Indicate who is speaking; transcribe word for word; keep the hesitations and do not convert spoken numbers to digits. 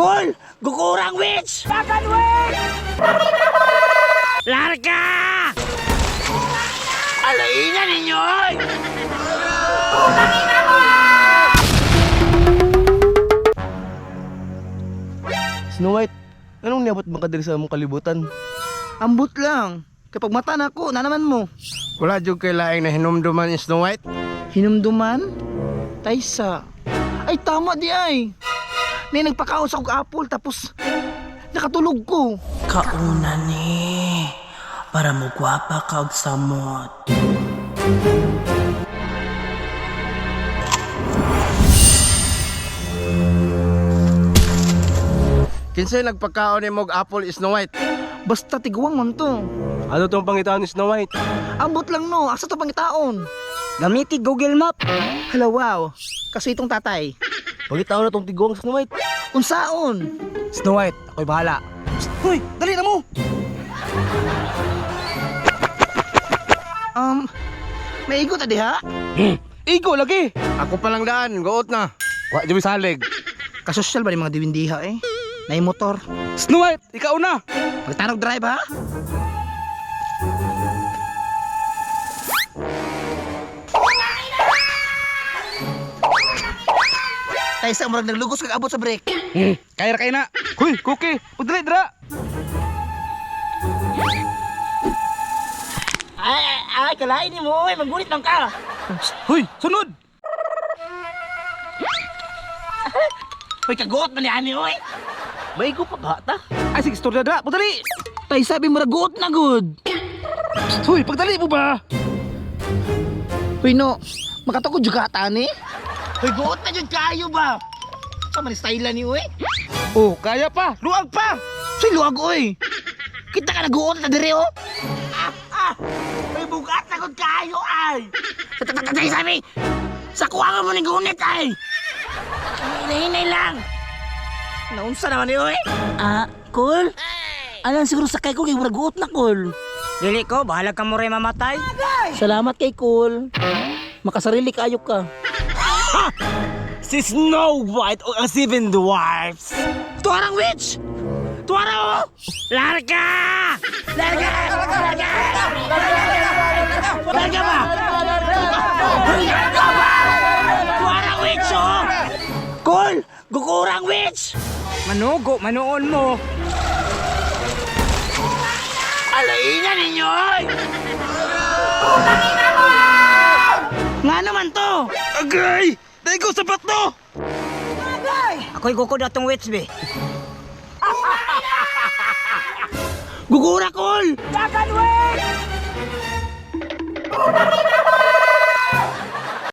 Speaker 1: Kol! Gukurang witch!
Speaker 2: Dagan witch!
Speaker 1: Larga! Alaina ninyo! oy!
Speaker 3: Snow White, anong niabot mo ka diri sa among kalibutan?
Speaker 4: Ambot lang. Kapag mata na ako, na naman mo.
Speaker 3: Wala jud kay laing na hinumduman ni Snow White.
Speaker 4: Hinumduman? Taysa. Ay, tama di ay. May nagpakaon sa kong apple, tapos nakatulog ko.
Speaker 1: Kauna ni para mo gwapa ka og samot.
Speaker 3: Kinsay nagpakaon ni mog apple is Snow White?
Speaker 4: Basta tiguang man to.
Speaker 3: Ano tong pangitaan ni Snow White?
Speaker 4: Ambot lang no, asa to pangitaon?
Speaker 1: Gamiti Google Map.
Speaker 4: Hala wow, kasi itong tatay.
Speaker 3: Pangitaon na tong tiguang Snow White.
Speaker 4: Unsaon?
Speaker 3: Snow White, ako'y bahala.
Speaker 4: Hoy, dali na mo! Um, may igot adi ha?
Speaker 3: Igo lagi. Ako pa lang daan, goot na. Wa jud salig.
Speaker 4: Kasosyal ba ni mga diwindiha eh? Nay motor.
Speaker 3: Snow White, ikaw na.
Speaker 4: Magtarog drive ha? Tay sa murag naglugos kag abot sa brake.
Speaker 3: Hmm, kaya ra kay na. Hoy, Cookie, pudre dra.
Speaker 1: Ay, ay, ay, kalain ni mo, oy, maggunit lang ka.
Speaker 3: Hoy, sunod.
Speaker 1: Hoy, kagot man ni ani, oy. May ko pa ba ta?
Speaker 3: Ay sige, storya dra, pudali.
Speaker 4: Tay sabi mo ragot na good.
Speaker 3: Hoy, pagdali mo ba?
Speaker 4: Hoy no, makatukod juga ata ni.
Speaker 1: Hoy, guot na jud kayo ba? Sa man style ni, oy.
Speaker 3: Oh, kaya pa.
Speaker 4: Luag pa. Say luag oy. Kita ka naguot na dire oh.
Speaker 1: Ah, ah. May bugat na gud kayo ay. Tatay sabi. Sa kuwangan mo ni gunit ay. Hinay-hinay lang. Naunsa naman ni, oy. Ah, cool. Alam siguro sakay ko kay muraguot na, cool. Dili ko, bahala ka mo rin mamatay.
Speaker 4: Salamat kay Cool. Makasarili kayo ka.
Speaker 1: Si Snow White o ang Seven Dwarfs. Tuwarang witch! Tuwara o! Larga! Larga! Larga! Larga ba? Larga ba? Tuwarang witch o! Cool! Gukurang witch! Manugo, manuon mo. Alaina ninyo! oy! Nga naman to!
Speaker 3: Agay! Dahil ko sapat to!
Speaker 1: Ako'y gukod atong witch, be. Gugura, Col!
Speaker 2: Dagan witch!